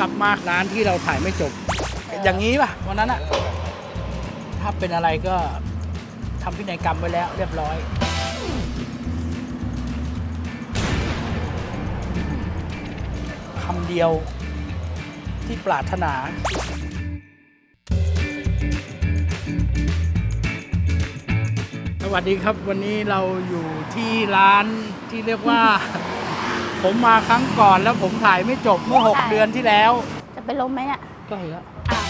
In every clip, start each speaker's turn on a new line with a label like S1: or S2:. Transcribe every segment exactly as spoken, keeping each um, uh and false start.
S1: ลับมาร้านที่เราถ่ายไม่จบ อย่างนี้ป่ะวันนั้นอะถ้าเป็นอะไรก็ทำพินัยกรรมไว้แล้วเรียบร้อยคำเดียวที่ปรารถนาสวัสดีครับวันนี้เราอยู่ที่ร้านที่เรียกว่า ผมมาครั้งก่อนแล้วผมถ่ายไม่จบเมื่อหกเดือนที่แล้ว
S2: จะเป็นลมไหมอ่ะ
S1: ใกล้แล้ว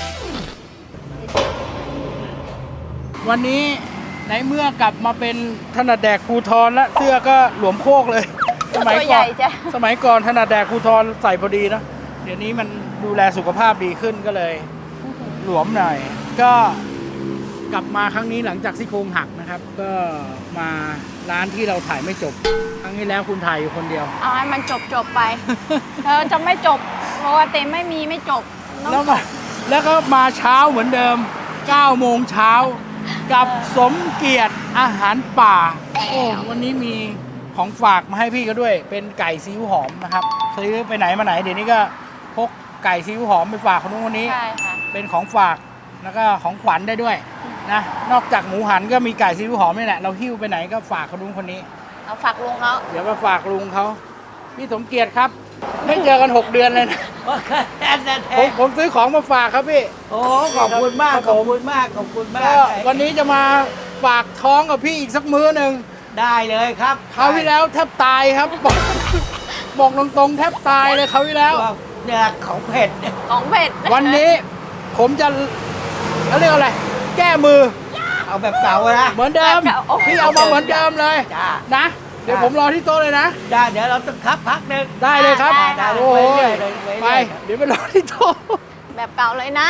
S1: วันนี้ในเมื่อกลับมาเป็นถนัดแดกภูทรและเสื้อก็หลวมโคกเลยสมัยก่อนสมัยก่อนถนัดแดกภูทรใส่พอดีนะเดี๋ยวนี้มันดูแลสุขภาพดีขึ้นก็เลยหลวมหน่อยก็กลับมาครั้งนี้หลังจากซี่โครงหักนะครับก็มาร้านที่เราถ่ายไม่จบครั้งที่แล้วคุณถ่ายอยู่คนเดียว
S2: เอาให้มันจบจบไปเธอจะไม่จบเพราะว่าเต็มไม่มีไม่จบ
S1: แล้วมาแล้วก็มาเช้าเหมือนเดิมเก้าโมงเช้ากับสมเกียรติอาหารป่าโอ้วันนี้มีของฝากมาให้พี่ก็ด้วยเป็นไก่ซีอิ๊วหอมนะครับซื้อไปไหนมาไหนเดี๋ยวนี้ก็พกไก่ซีอิ๊วหอมไปฝากคนนู้นคนนี้
S2: ใช่ค่ะ
S1: เป็นของฝากแล้วก็ของขวัญได้ด้วยนะนอกจากหมูหันก็มีไก่ซีอิ๊วหอมนี่แหละเราหิ้วไปไหนก็ฝากคนนู้นคนนี้
S2: เอาฝากลุงเขา
S1: เดี๋ยวมาฝากลุงเขาพี่สมเกียรติครับไม่เจอกันหกเดือนเลยนะผมผมซื้อของมาฝากครับพี่
S3: โอ้ขอบคุณมากขอบคุณมากขอบคุณมาก
S1: วันนี้จะมาฝากท้องกับพี่อีกสักมื้อหนึ่ง
S3: ได้เลยครับ
S1: คราวที่แล้วแทบตายครับบอกบอกตรงๆแทบตายเลยคราวที่แล้ว
S3: เนี่ยของเผ็ด
S2: ของเผ็ด
S1: วันนี้ผมจะเขาเรียกอะไรแก้มือ
S3: เอาแบบเก่านะ
S1: เหมือนเดิมพี่เอามาเหมือนเดิมเลยนะเดี๋ยวผมรอที่โต๊ะเลยนะ
S3: ได้เดี๋ยวเราต้องคับพักหนึ่ง
S1: ได้เลยครับโอ้ยไปเดี๋ยวไปรอที่โต๊ะ
S2: แบบเก่าเลยนะ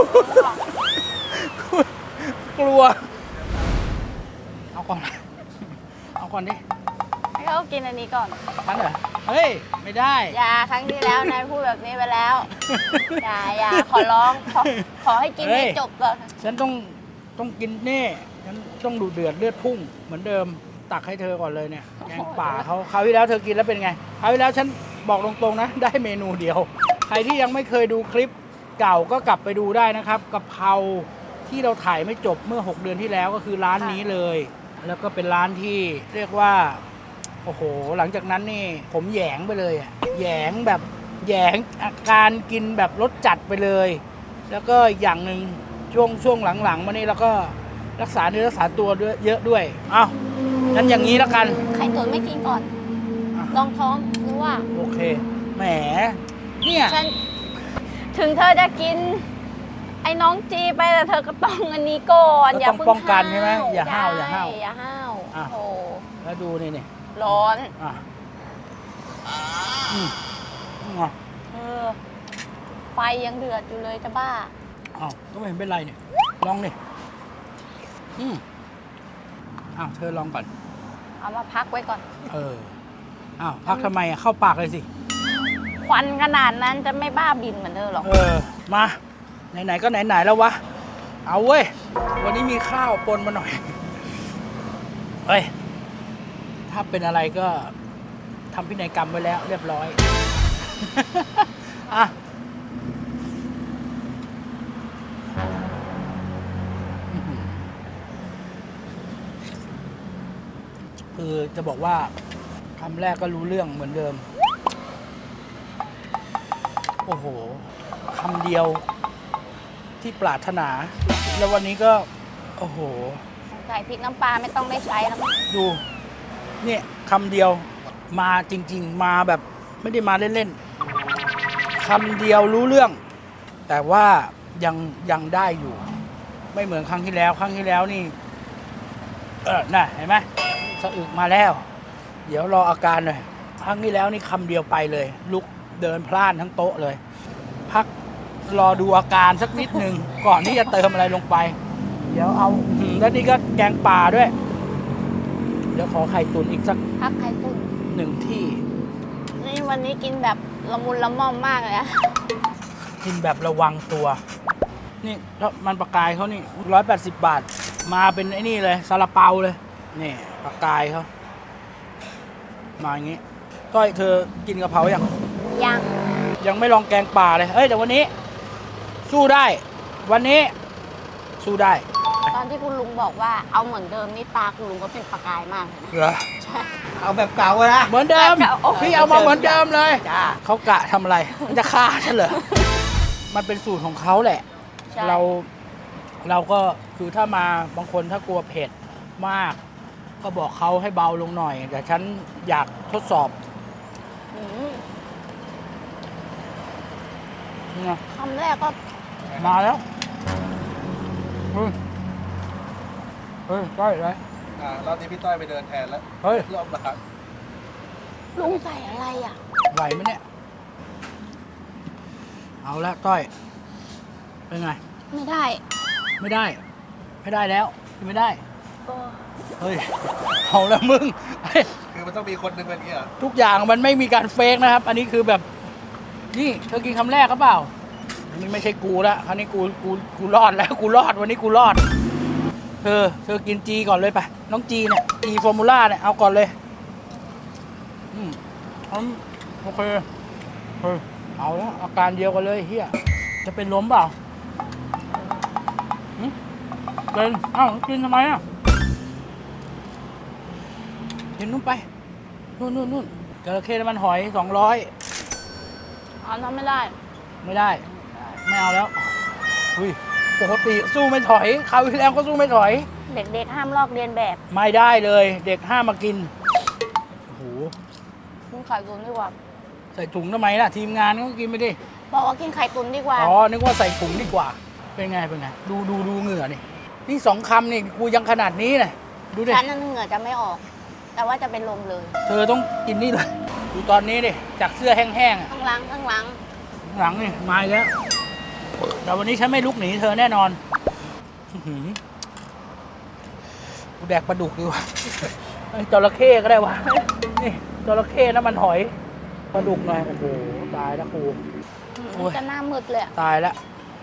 S1: กลัวเอาก่อนเอาก่อนดิ
S2: ให้เขากินอันนี้ก่อน
S1: ทันเหรอเฮ้ยไม่ได้
S2: อย่าครั้งที่แล้วนายพูดแบบนี้ไปแล้วอย่าอย่าขอร้องขอขอให้กินให้จบก่อน
S1: ฉันต้องต้องกินนี่ฉันต้องดูเดือดเลือดพุ่งเหมือนเดิมตักให้เธอก่อนเลยเนี่ยแกงป่าเขาคราวที่แล้วเธอกินแล้วเป็นไงคราวที่แล้วฉันบอกตรงๆนะได้เมนูเดียวใครที่ยังไม่เคยดูคลิปเก่าก็กลับไปดูได้นะครับกะเพราที่เราถ่ายไม่จบเมื่อหกเดือนที่แล้วก็คือร้านนี้เลยแล้วก็เป็นร้านที่เรียกว่าโอ้โหหลังจากนั้นนี่ผมแหยงไปเลยอ่ะแหยงแบบแหยงอาการกินแบบรสจัดไปเลยแล้วก็อย่างหนึ่งช่วงช่วงหลังๆมานี่เราก็รักษาเนื้อรักษาตัวด้วยเยอะด้วยอ้าวงั้นอย่างนี้แล้วกัน
S2: ไข่ตุ๋นไม่กินก่อนลองท้องหรือว่า
S1: โอเคแหมเนี่ย
S2: ถึงเธอจะกินไอ้น้องจีไปแต่เธอก็ต้องอันนี้ก่อน
S1: อย่าเพิ่งป้องกันใช่ไหมอย่าห้าวอย่าห้าว
S2: อย่าห้าวโอ้
S1: แล้วดูนี่นี่
S2: ร้อน
S1: อ่ะอืม
S2: เออไฟยังเดือดอยู่เลยจะบ้า
S1: อ้าวก็ไม่เห็นเป็นไรเนี่ยลองดิอืมอ้าวเธอลองก่อน
S2: เอามาพักไว้ก่อน
S1: เอออ้าวพักทำไมอ่ะเข้าปากเลยสิ
S2: ควันขนาดนั้นจะไม่บ้าบินเหมือนเธอหรอก
S1: เออมาไหนๆก็ไหนๆแล้ววะเอาเว้ยวันนี้มีข้าวปนมาหน่อยเฮ้ยถ้าเป็นอะไรก็ทำพินัยกรรมไว้แล้วเรียบร้อยอ่ะคือจะบอกว่าคำแรกก็รู้เรื่องเหมือนเดิมโอ้โหคำเดียวที่ปรารถนาแล้ววันนี้ก็โอ้โห
S2: ใส่พริกน้ำปลาไม่ต้องได้ใช้แล้ว
S1: ดูเนี่ยคำเดียวมาจริงๆมาแบบไม่ได้มาเล่นๆคำเดียวรู้เรื่องแต่ว่ายังยังได้อยู่ไม่เหมือนครั้งที่แล้วครั้งที่แล้วนี่เออน่ะเห็นไหมสะอึกมาแล้วเดี๋ยวรออาการหน่อยครั้งที่แล้วนี่คำเดียวไปเลยลุกเดินพล่านทั้งโต๊ะเลยพักรอดูอาการสักนิดหนึ่งก่อนที่จะเติมอะไรลงไปเดี๋ยวเอาแล้วนี่ก็แกงป่าด้วยเดี๋ยวขอไข่ตุ๋นอีกสัก
S2: พักไข่ตุ๋น
S1: หนึ่งที่
S2: นี่วันนี้กินแบบละมุนละม่อมมากเลยนะ
S1: กินแบบระวังตัวนี่แล้วมันปลากายเขานี่ร้อยแปดสิบบาทมาเป็นไอ้นี่เลยซาลาเปาเลยนี่ปลากายเขามาอย่างงี้ก้อยเธอกินกะเพรายัง
S2: ยัง
S1: ยังไม่ลองแกงป่าเลยเอ้ยแต่วันนี้ สู้ได้ วันนี้ สู้ได้
S2: ตอนที่คุณลุงบอกว่าเอาเหมือนเดิมนี่ตาคุณลุงก็เป็นประกายมากเลยนะ
S1: เหรอ
S2: ใช่
S3: เอาแบบเก่าอะนะ
S1: เหมือนเดิม
S2: โอ้โห
S1: พี่เอามาเหมือนเดิมเลย
S3: จ้า
S1: เขากะทำอะไรมันจะฆ่าฉันเหรอ มันเป็นสูตรของเขาแหละ
S2: ใช่
S1: เราเราก็คือถ้ามาบางคนถ้ากลัวเผ็ดมาก ก็บอกเขาให้เบาลงหน่อย แต่ฉันอยากทดสอบ
S2: อืม
S1: นี่ไง
S2: คำแรกก็
S1: มาแล้วเฮ้ยเฮ้ยใกล้เลย
S4: อ่ารอบนี้พี่ต้อยไปเดินแทนแล้ว
S1: เฮ้ย
S4: รอบหลัง
S2: ลุงใส่อะไรอ่ะ
S1: ไหวไหมเนี่ย เอาละต้อย เป็นไง
S2: ไม่ได้
S1: ไม่ได้ ไม่ได้แล้วไม่ได้
S2: ก็
S1: เฮ้ย เอาแล้วมึงเฮ้ย
S4: คือมันต้องมีคนหนึงเป็นอย่างนี้เหรอ
S1: ทุกอย่างมันไม่มีการเฟกนะครับ อันนี้คือแบบ นี่เธอกินคำแรกก็เปล่า อันนี้ไม่ใช่กูละคราวนี้กู กู กูรอดแล้ว กูรอด วันนี้กูรอด เธอ เธอกินจีก่อนเลยไป น้องจีเนี่ย จีฟอร์มูล่าเนี่ย เอาก่อนเลย อืมอืมโอเค เฮ้ย เอาแล้วอาการเดียวกันเลยเฮียจะเป็นล้มเปล่าหึเป็นเอ้ากินทำไมอ่ะ กินนู่นไป นู่นนู่นนู่นจระเข้น้ำมันหอยสองร้อย
S2: เอาน้ำไม่ได้
S1: ไม่ได้ ไม่เอาแล้วอุ้ยปกติสู้ไม่ถอยคราวที่แล้วก็สู้ไม่ถอย
S2: เด็กๆห้ามลอกเรียนแบบ
S1: ไม่ได้เลย เด็กห้ามมากิน โอ้โห
S2: กินไข่ตุนดีกว่า
S1: ใส่ถุงทำไมล่ะ ทีมงานก็กินไปดิ
S2: บอกว่ากินไข่ตุนดีกว่า
S1: อ๋อ นึกว่าใส่ถุงดีกว่า เป็นไง เป็นไง ดูดูดูเหงื่อนี่ นี่สองคำนี่กูยังขนาดนี้เลยดูดิ
S2: ฉันนั้นเหงื่อจะไม่ออก แต่ว่าจะเป็นลมเลย
S1: เธอต้องกินนี่เลย ดูตอนนี้ดิ จากเสื้อแห้งๆอะ
S2: ข้างหลังข้างหลัง
S1: หลังนี่มาอีกแล้ว แต่วันนี้ฉันไม่ลุกหนีเธอแน่นอนอื้อหือกูแดกปลาดุกดีกว่าไอ้จระเข้ก็ได้วะ นี่จระเข้น้ำมันหอยปลาดุกหน่อย โอ้โห ตายแล้วกู โอ้ย
S2: จะหน้ามืดเลยอะ
S1: ตายแล้ว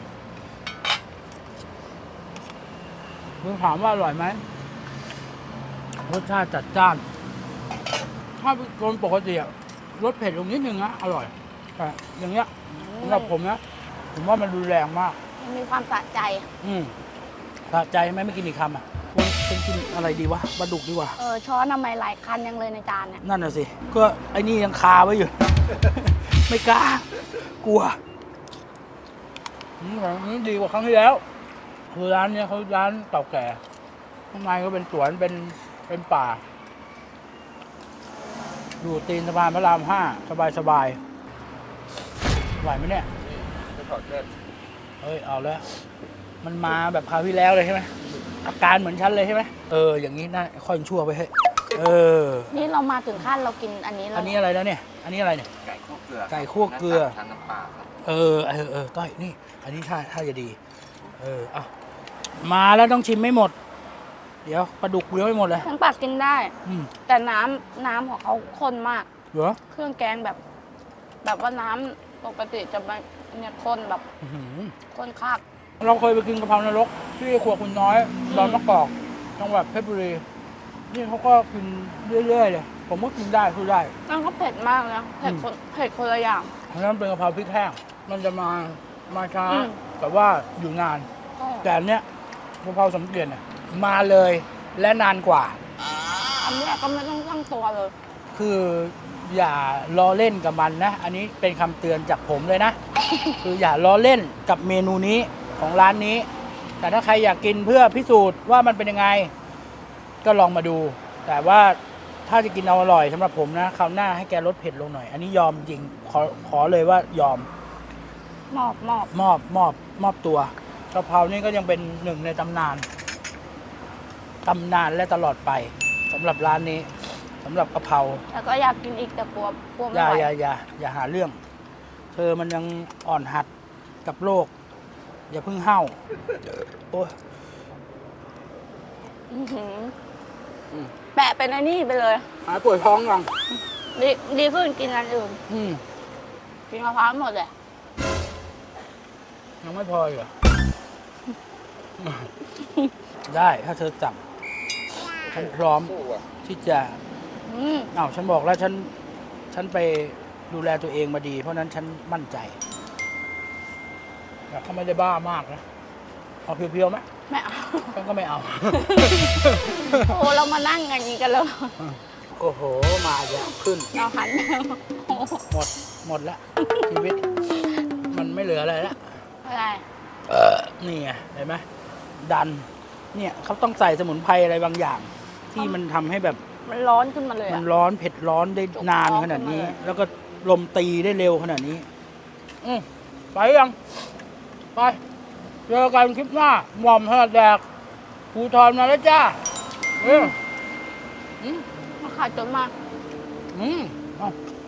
S1: มึงถามว่าอร่อยไหมรสชาติจัดจ้าน ถ้าเป็นคนปกติอะรสเผ็ดลงนิดนึงนะอร่อยแต่อย่างเงี้ยสำหรับผมนะ ผมว่ามันรุนแรงมาก
S2: มันมีความสะใจ
S1: อืมสะใจไหมไม่กินอีกคำอ่ะควรเป็นกินอะไรดีวะปลาดุกดีกว่า
S2: เออช้อนทำไมหลายคันยังเลยในจานเนี่ย
S1: นั่นน่ะสิ ก็ไอ้นี่ยังคาไว้อยู่ ไม่กล้า กลัวอืมอันนี้ดีกว่าครั้งที่แล้ว คือร้านเนี้ยเขาร้านเก่าแก่ข้างในก็เป็นสวนเป็นเป็นป่า อยู่ตีนสะพานพระรามห้าสบายสบายไหวไหมเนี่ย
S4: จะถอดเสื้อ
S1: เฮ้ย เอาแล้ว มันมาแบบคราวที่แล้วเลยใช่ไหมอาการเหมือนฉันเลยใช่ไหมเออ อย่างนี้น่าค่อยชั่วไปเฮ้ยเออ
S2: นี่เรามาถึงขั้นเรากินอันนี้แล้ว
S1: อันนี้อะไรแล้วเนี่ย อันนี้อะไรเนี่ย
S4: ไก่คั่วเกลือ
S1: ไก่คั่วเกลือ
S4: ทานน้ำปลาครับ
S1: เออ เออ เออ ต้อย นี่ อันนี้ท่าท่าจะดี เออเอามาแล้วต้องชิมไม่หมด เดี๋ยวปลาดุกเลี้ยวไม่หมดเลย
S2: ทั้งปากกินได้
S1: อืม
S2: แต่น้ำน้ำของเขาข้นมาก
S1: เหรอ
S2: เครื่องแกงแบบ แบบว่าน้ำปกติจะไม่เนี่ยข้นแบบ
S1: อื้อหือ
S2: ข้นคัก
S1: เราเคยไปกินกะเพรานรกที่ครัวคุณน้อยดอนมะกอกจังหวัดเพชรบุรี นี่เขาก็กินเรื่อยๆเลย ผมก็กินได้คือได้
S2: นั่นก็เผ็ดมากนะเผ็ดคนเผ็ดคนละอย่าง
S1: เพราะฉะนั้นเป็นกะเพราพริกแห้ง มันจะมา มาช้า
S2: อืม
S1: แต่ว่าอยู่นาน
S2: ใช่
S1: แต่อันเนี้ยกะเพราสมเกียรติเนี่ยมาเลย และนานกว่า
S2: อันเนี้ยก็ไม่ต้องตั้งตัวเลย
S1: คืออย่าล้อเล่นกับมันนะ อันนี้เป็นคำเตือนจากผมเลยนะ คืออย่าล้อเล่นกับเมนูนี้ของร้านนี้ แต่ถ้าใครอยากกินเพื่อพิสูจน์ว่ามันเป็นยังไง ก็ลองมาดู แต่ว่าถ้าจะกินเอาอร่อยสำหรับผมนะคราวหน้าให้แกลดเผ็ดลงหน่อย อันนี้ยอมจริง ขอขอเลยว่ายอม
S2: หมอบหมอบ
S1: มอบมอบมอบตัวกะเพรานี่ก็ยังเป็นหนึ่งในตำนานตำนานและตลอดไปสำหรับร้านนี้สำหรับกะเพรา
S2: แล้วก็อยากกินอีกแต่กลัวกลัว
S1: อ
S2: ไม่
S1: ย่า
S2: ไหว
S1: อย่าอย่าอย่าหาเรื่อง เธอมันยังอ่อนหัดกับโลก อย่าเพิ่งเห่าโอ้ย
S2: อื้อหืออ
S1: ม
S2: แปะเป็นไอ้นี่ไปเลย
S1: หายปวดท้องยัง
S2: ดีดีขึ้นกินอันอื่น
S1: อืม
S2: กินมะพร้าวหมดเลย
S1: ยังไม่พออีกเหรอ ได้ถ้าเธอจับฉันพร้อม
S4: สู้อ่ะ
S1: ที่จะ
S2: อืม
S1: อ้าวฉันบอกแล้วฉัน ฉันไปดูแลตัวเองมาดี เพราะฉะนั้นฉันมั่นใจแต่เขาไม่ได้บ้ามากนะเอาเพียวๆไหม
S2: ไม่เอา
S1: ฉันก็ไม่เอา
S2: โอ้เรามานั่งอย่างนี้กันเลย
S1: โอ้โห มาอีกแล้วขึ้น
S2: เราหัน
S1: หมด หมดแล้ว ชีวิต มันไม่เหลืออะไรแล้ว
S2: อะไร
S1: นี่ไงเห็นไหมดัน เนี่ยเขาต้องใส่สมุนไพรอะไรบางอย่าง ที่มันทำให้แบบ
S2: มันร้อนขึ้นมาเลย
S1: มั
S2: อะ
S1: นร้อนเผ็ดร้อนได้นานขนาดนี้
S2: จกท้องขึ้นมาเลย
S1: แล้วก็ลมตีได้เร็วขนาดนี้ อืมไปยัง ไป เจอกันคลิปหน้าหม่อมถนัดแดกภูทรมาแล้วจ้าเอออืม
S2: มาขายจนมาก
S1: อืมเอา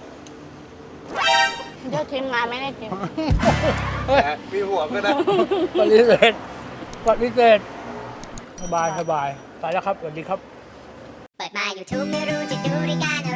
S2: เดี๋ยวทีมงานไม่ได้กิน
S1: เฮ้ย
S4: มีหัวก็นะ
S1: ปฏิเสธปฏิเสธสบายสบายไปแล้วครับ สวัสดีครับ
S5: เปิดมา YouTube ไม่รู้จะดูรายการอะไร